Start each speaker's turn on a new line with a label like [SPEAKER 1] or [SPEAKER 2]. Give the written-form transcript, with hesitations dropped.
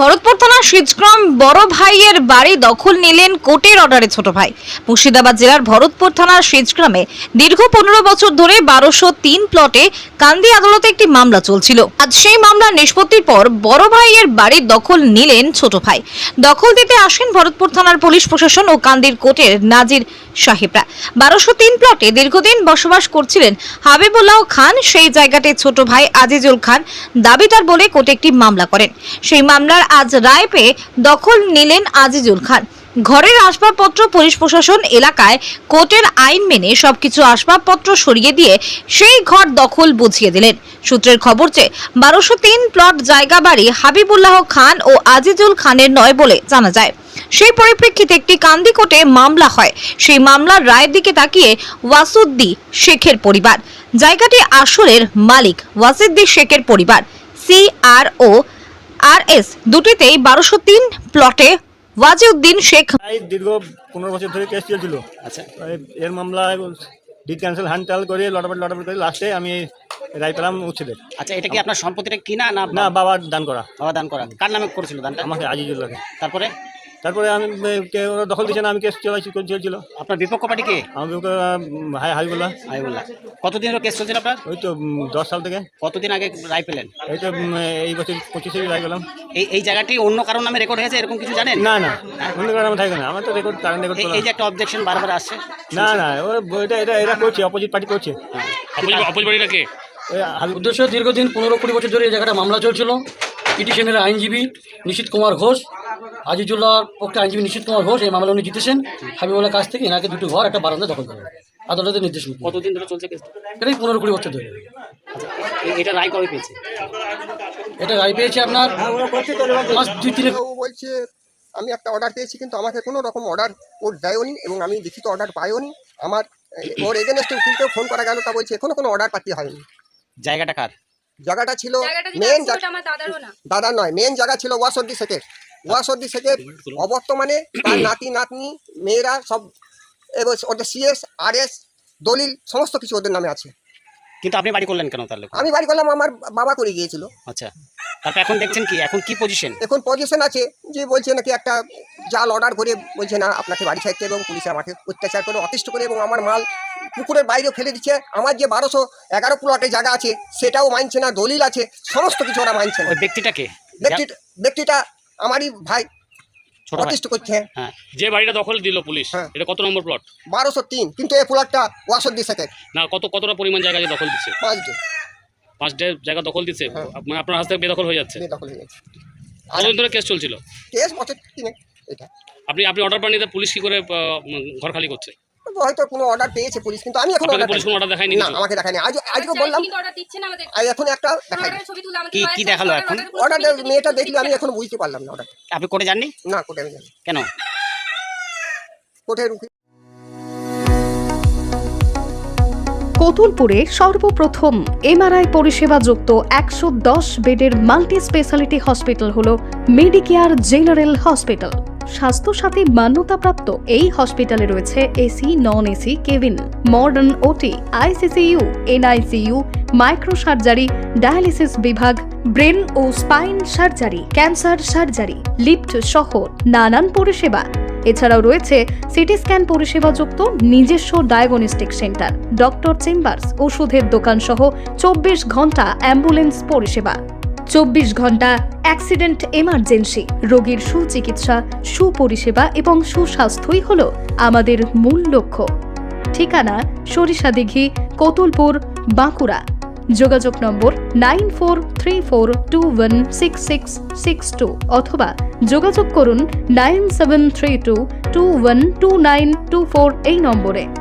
[SPEAKER 1] ভরতপুর থানার শিজগ্রাম বড় ভাইয়ের বাড়ি দখল নিলেন কোর্টের অর্ডারে ছোট ভাই। মুর্শিদাবাদ জেলার ভরতপুর থানার শিজগ্রামে দীর্ঘ 15 বছর ধরে 1203 প্লটে কান্দি আদালতে একটি মামলা চলছিল। আজ সেই মামলার নিষ্পত্তির পর বড় ভাইয়ের বাড়ি দখল নিলেন ছোট ভাই। দখল দিতে আসেন ভরতপুর থানার পুলিশ প্রশাসন ও কান্দির কোর্টের নাজির সাহেবরা। 1203 প্লটে দীর্ঘদিন বসবাস করছিলেন হাবিবুল্লাহ খান। সেই জায়গাতে ছোট ভাই আজিজুল খান দাবিদার বলে কোর্টে একটি মামলা করেন। সেই মামলার আজ রায় পেয়ে দখল নিলেন আজিজুল খান। ঘরের আসবাবপত্র পুলিশ প্রশাসন এলাকায় কোর্টের আইন মেনে সবকিছু আসবাবপত্র সরিয়ে দিয়ে সেই ঘর দখল বুঝিয়ে দিলেন। সূত্রের খবর যে 1203 প্লট জায়গা বাড়ি হাবিবুল্লাহ খান ও আজিজুল খানের নয় বলে জানা যায়। সেই পরিপ্রেক্ষিতে একটি কান্দি কোর্টে মামলা হয়। সেই মামলার রায়ের দিকে তাকিয়ে ওয়াসুদ্দি শেখের পরিবার, জায়গাটি আসরের মালিক ওয়াসিদ্দি শেখের পরিবার, CRO RS দুটিতেই 1203 প্লটে ওয়াজিউদ্দিন শেখ
[SPEAKER 2] দীর্ঘ 15 বছর ধরে কেস চলছিল।
[SPEAKER 3] আচ্ছা,
[SPEAKER 2] এর মামলা ডিড ক্যান্সেল হ্যান্ডটাল করে লটাপট করে লাস্টে আমি রায় পেলাম উচ্ছেদের।
[SPEAKER 3] আচ্ছা, এটা কি আপনার সম্পত্তিটা কিনা না
[SPEAKER 2] না, বাবার দান করা।
[SPEAKER 3] বাবা দান করা? কার নামে করেছিল দানটা?
[SPEAKER 2] আমাকে আজিজুল্লাহকে।
[SPEAKER 3] তারপরে
[SPEAKER 2] আমি ওরা দখল দিচ্ছে না, আমি কেস চলছিল।
[SPEAKER 3] আপনার বিপক্ষ পার্টি কে?
[SPEAKER 2] আমি হাবিবুল্লাহ।
[SPEAKER 3] কতদিন ধরে কেস চলছিল আপনার?
[SPEAKER 2] ওই তো 10 সাল থেকে।
[SPEAKER 3] কতদিন আগে রায় পেলেন?
[SPEAKER 2] এই তো এই বছর 25-এ রায় পেলাম।
[SPEAKER 3] এই জায়গাটি অন্য কারোর নামে রেকর্ড হয়েছে এরকম কিছু জানেন?
[SPEAKER 2] না, অন্য কারণ আমার থাকে না, আমার তো রেকর্ড
[SPEAKER 3] এই যে একটা অবজেকশন বারবার আসছে।
[SPEAKER 2] না, এরা করছে, অপোজিট পার্টি করছে।
[SPEAKER 3] অপোজিট পার্টিটা কে?
[SPEAKER 4] উদ্দেশ্য দীর্ঘদিন 15-20 বছর ধরে এই জায়গাটা মামলা চলছিল। পিটিশনের আইনজীবী নিশীথ কুমার ঘোষ, আজিজুল্লাহর পক্ষে আইনজীবী নিশীথ কুমার ঘোষ এই মামলা উনি জিতেছেন। হাবিবুল্লাহর কাছ থেকে এনাকে দুটো ঘর, একটা বারান্দা দখল করেন আদালতের নির্দেশ মতো।
[SPEAKER 3] কতদিন ধরে চলছে কেস?
[SPEAKER 4] এটাই 15-20 বছর ধরে।
[SPEAKER 3] এটা রায় কবে পেয়েছে?
[SPEAKER 4] এটা রায় পেয়েছে আপনার মাস 2-3
[SPEAKER 5] বলছে আমি একটা অর্ডার পেয়েছি, কিন্তু আমাকে কোনো রকম অর্ডার ওর দেয়নি এবং আমি লিখিত অর্ডার পাইওনি। আমার ওর এগেনস্টে উকিলকেও ফোন করা গেল, তা বলছে এখনো কোনো অর্ডার পাতি হয়নি।
[SPEAKER 3] জায়গাটা কার?
[SPEAKER 5] জায়গাটা ছিল মেন দাদার নয়, মেন জায়গা ছিল ওয়াসুদ্দি শেখের। ওয়াসুদ্দি শেখের অবর্তমানে তার নাতি নাতনি মেয়েরা সব এবং ওদের CS RS দলিল সমস্ত কিছু ওদের নামে আছে।
[SPEAKER 3] কিন্তু আপনি বাড়ি করলেন কেন তাহলে?
[SPEAKER 5] আমি বাড়ি করলাম, আমার বাবা করে গিয়েছিল।
[SPEAKER 3] আচ্ছা, তারপর এখন দেখছেন কি, এখন কি পজিশন?
[SPEAKER 5] এখন পজিশন আছে যে বলছে নাকি একটা জাল অর্ডার করে বলছে না আপনাকে বাড়ি ছাড়তে, এবং পুলিশে আমাকে অত্যাচার করে অতিষ্ঠ করে এবং আমার মাল পুকুরের বাইরেও ফেলে দিচ্ছে। আমার যে 1211 প্লটে জায়গা আছে সেটাও মানছে না, দলিল আছে, সমস্ত কিছু ওরা মানছে না।
[SPEAKER 3] ওই ব্যক্তিটাকে?
[SPEAKER 5] ব্যক্তিটা আমারই ভাই,
[SPEAKER 3] ছোট ভাই
[SPEAKER 5] অতিষ্ঠ করছে।
[SPEAKER 3] হ্যাঁ,
[SPEAKER 6] যে বাড়িটা দখল দিল পুলিশ,
[SPEAKER 5] হ্যাঁ।
[SPEAKER 6] এটা কত নম্বর প্লট?
[SPEAKER 5] 1203, কিন্তু এই প্লটটা ওয়াসুদ্দি শেখের।
[SPEAKER 6] না, কতটা পরিমাণ জায়গা যে দখল দিচ্ছে?
[SPEAKER 5] 5
[SPEAKER 6] জায়গা দখল দিচ্ছে,
[SPEAKER 5] হ্যাঁ।
[SPEAKER 6] মানে আপনার হাত থেকে বেদখল হয়ে যাচ্ছে।
[SPEAKER 5] দখল হয়ে গেছে।
[SPEAKER 6] কতদিন ধরে কেস চলছিল?
[SPEAKER 5] কেস বছর 3 এটা।
[SPEAKER 6] আপনি অর্ডার পাননি, পুলিশ কি করে ঘর খালি করছে?
[SPEAKER 5] হয়তো কোনো অর্ডার পেয়েছে পুলিশ, কিন্তু আমি এখন
[SPEAKER 6] পুলিশ কোনো অর্ডার দেখায়নি?
[SPEAKER 5] না, আমাকে দেখায়নি। আজকে বললাম এখন একটা দেখাই
[SPEAKER 3] কি দেখালো এখন?
[SPEAKER 5] অর্ডার মেয়েটা দেখলে আমি এখন বুঝতে পারলাম না অর্ডার।
[SPEAKER 3] আপনি কোর্টে যাননি?
[SPEAKER 5] না, কোর্টে আমি জানি
[SPEAKER 3] কেন?
[SPEAKER 5] কোর্টের উকিল।
[SPEAKER 7] কতুলপুরে সর্বপ্রথম MRI পরিষেবা যুক্ত 110 বেডের মাল্টি স্পেশালিটি হসপিটাল হলো মেডিকেয়ার জেনারেল হসপিটাল। স্বাস্থ্যসাথী মান্যতাপ্রাপ্ত এই হসপিটালে রয়েছে AC, non AC cabin, modern OT, ICCU, NICU, micro surgery, dialysis বিভাগ, ব্রেন ও spine surgery, cancer surgery, lift সহ নানান পরিষেবা। এছাড়াও রয়েছে সিটি স্ক্যান পরিষেবা যুক্ত নিজস্ব ডায়াগনস্টিক সেন্টার, ডক্টর চেম্বার্স, ওষুধের দোকান সহ 24 ঘন্টা অ্যাম্বুলেন্স পরিষেবা। 24 ঘন্টা অ্যাক্সিডেন্ট এমার্জেন্সি, রোগীর সুচিকিৎসা, সুপরিষেবা এবং সুস্বাস্থ্যই হল আমাদের মূল লক্ষ্য। ঠিকানা সরিষাদিঘি, কতুলপুর, বাঁকুড়া। যোগাযোগ নম্বর 9434216662 অথবা যোগাযোগ করুন 9732212924 এই নম্বরে।